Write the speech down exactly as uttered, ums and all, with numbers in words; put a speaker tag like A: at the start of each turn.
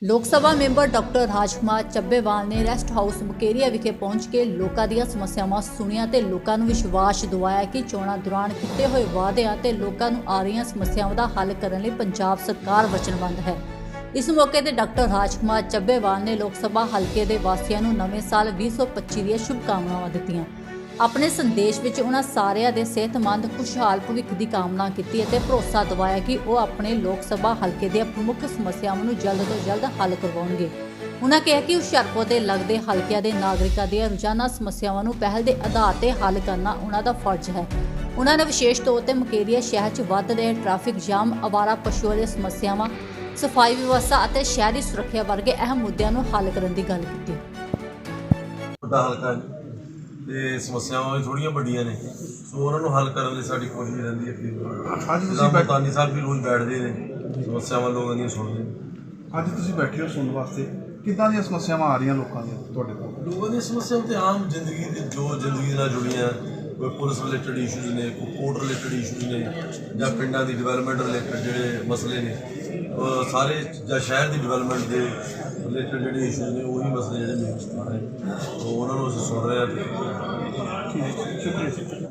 A: लोक सभा member doctor राजकुमार ਚੱਬੇਵਾਲ ने ਰੈਸਟ ਹਾਊਸ ਮੁਕੇਰੀਆ ਵਿਖੇ ਪਹੁੰਚ ਕੇ ਲੋਕਾਂ ਦੀਆਂ ਸਮੱਸਿਆਵਾਂ ਸੁਣੀਆਂ ਤੇ ਲੋਕਾਂ ਨੂੰ ਵਿਸ਼ਵਾਸ ਦਿਵਾਇਆ ਕਿ ਚੋਣਾਂ ਦੌਰਾਨ ਕੀਤੇ ਹੋਏ ਵਾਅਦਿਆਂ ਤੇ ਲੋਕਾਂ ਨੂੰ ਆ ਰਹੀਆਂ ਸਮੱਸਿਆਵਾਂ ਦਾ ਹੱਲ ਕਰਨ ਲਈ ਪੰਜਾਬ ਸਰਕਾਰ ਵਚਨਬੱਧ ਹੈ। ਇਸ ਮੌਕੇ ਤੇ ਡਾਕਟਰ ਰਾਜकुमार ਚੱਬੇਵਾਲ ਨੇ ਲੋਕ ਸਭਾ ਹਲਕੇ ਦੇ ਵਾਸੀਆਂ ਨੂੰ ਨਵੇਂ ਸਾਲ ਵੀਹ ਸੌ ਪੱਚੀ ਦੀਆਂ ਸ਼ੁਭਕਾਮਨਾਵਾਂ ਦਿੱਤੀਆਂ। ਆਪਣੇ ਸੰਦੇਸ਼ ਵਿੱਚ ਉਹਨਾਂ ਸਾਰਿਆਂ ਦੇ ਸਿਹਤਮੰਦ ਖੁਸ਼ਹਾਲ ਭਵਿੱਖ ਦੀ ਕਾਮਨਾ ਕੀਤੀ ਅਤੇ ਭਰੋਸਾ ਦਿਵਾਇਆ ਕਿ ਉਹ ਆਪਣੇ ਲੋਕ ਸਭਾ ਹਲਕੇ ਦੀਆਂ ਪ੍ਰਮੁੱਖ ਸਮੱਸਿਆਵਾਂ ਨੂੰ ਜਲਦ ਤੋਂ ਜਲਦ ਹੱਲ ਕਰਵਾਉਣਗੇ। ਉਹਨਾਂ ਕਿਹਾ ਕਿ ਹੁਸ਼ਿਆਰਪੁਰ ਦੇ ਲੱਗਦੇ ਹਲਕਿਆਂ ਦੇ ਨਾਗਰਿਕਾਂ ਦੀਆਂ ਰੋਜ਼ਾਨਾ ਸਮੱਸਿਆਵਾਂ ਨੂੰ ਪਹਿਲ ਦੇ ਆਧਾਰ ਤੇ ਹੱਲ ਕਰਨਾ ਉਹਨਾਂ ਦਾ ਫਰਜ਼ ਹੈ। ਉਹਨਾਂ ਨੇ ਵਿਸ਼ੇਸ਼ ਤੌਰ ਤੇ ਮੁਕੇਰੀਆ ਸ਼ਹਿਰ 'ਚ ਵੱਧ ਰਹੇ ਟ੍ਰੈਫਿਕ ਜਾਮ, ਆਵਾਰਾ ਪਸ਼ੂਆਂ ਦੀਆਂ ਸਮੱਸਿਆਵਾਂ, ਸਫਾਈ ਵਿਵਸਥਾ ਅਤੇ ਸ਼ਹਿਰੀ ਸੁਰੱਖਿਆ ਵਰਗੇ ਅਹਿਮ ਮੁੱਦਿਆਂ ਨੂੰ ਹੱਲ ਕਰਨ ਦੀ ਗੱਲ ਕੀਤੀ।
B: ਵੱਡਾ ਹਲਕਾ ਤੇ ਸਮੱਸਿਆਵਾਂ ਵੀ ਥੋੜੀਆਂ ਵੱਡੀਆਂ ਨੇ, ਸੋ ਉਹਨਾਂ ਨੂੰ ਹੱਲ ਕਰਨ ਲਈ ਸਾਡੀ ਕੋਸ਼ਿਸ਼ ਰਹਿੰਦੀ ਹੈ ਕਿ ਅੱਜ ਤੁਸੀਂ ਮੁਲਤਾਨੀ ਸਾਹਿਬ ਵੀ ਰੋਜ਼ ਬੈਠਦੇ ਨੇ, ਸਮੱਸਿਆਵਾਂ ਲੋਕਾਂ ਦੀਆਂ ਸੁਣਦੇ ਨੇ।
C: ਅੱਜ ਤੁਸੀਂ ਬੈਠੇ ਹੋ ਸੁਣਨ ਵਾਸਤੇ, ਕਿੱਦਾਂ ਦੀਆਂ ਸਮੱਸਿਆਵਾਂ ਆ ਰਹੀਆਂ ਲੋਕਾਂ ਦੀਆਂ ਤੁਹਾਡੇ ਕੋਲ?
B: ਲੋਕਾਂ ਦੀਆਂ ਸਮੱਸਿਆਵਾਂ ਤੇ ਆਮ ਜ਼ਿੰਦਗੀ ਦੀ ਜੋ ਜ਼ਿੰਦਗੀ ਨਾਲ ਜੁੜੀਆਂ, ਕੋਈ ਪੁਲਿਸ ਰਿਲੇਟਡ ਇਸ਼ੂਜ਼ ਨੇ, ਕੋਈ ਕੋਰਟ ਰਿਲੇਟਡ ਇਸ਼ੂਜ਼ ਨੇ, ਜਾਂ ਪਿੰਡਾਂ ਦੀ ਡਿਵੈਲਪਮੈਂਟ ਰਿਲੇਟਡ ਜਿਹੜੇ ਮਸਲੇ ਨੇ, ਉਹ ਸਾਰੇ ਜਾਂ ਸ਼ਹਿਰ ਦੀ ਡਿਵੈਲਪਮੈਂਟ ਦੇ ਰਿਲੇਟਡ ਜਿਹੜੇ ਇਸ਼ੂਜ਼ ਨੇ, ਉਹੀ ਮਸਲੇ ਜਿਹੜੇ ਮੇਨ ਆ ਰਹੇ, ਉਹਨਾਂ ਨੂੰ ਅਸੀਂ ਸੁਣ ਰਹੇ ਹਾਂ।
C: ਠੀਕ ਹੈ, ਸ਼ੁਕਰੀਆ।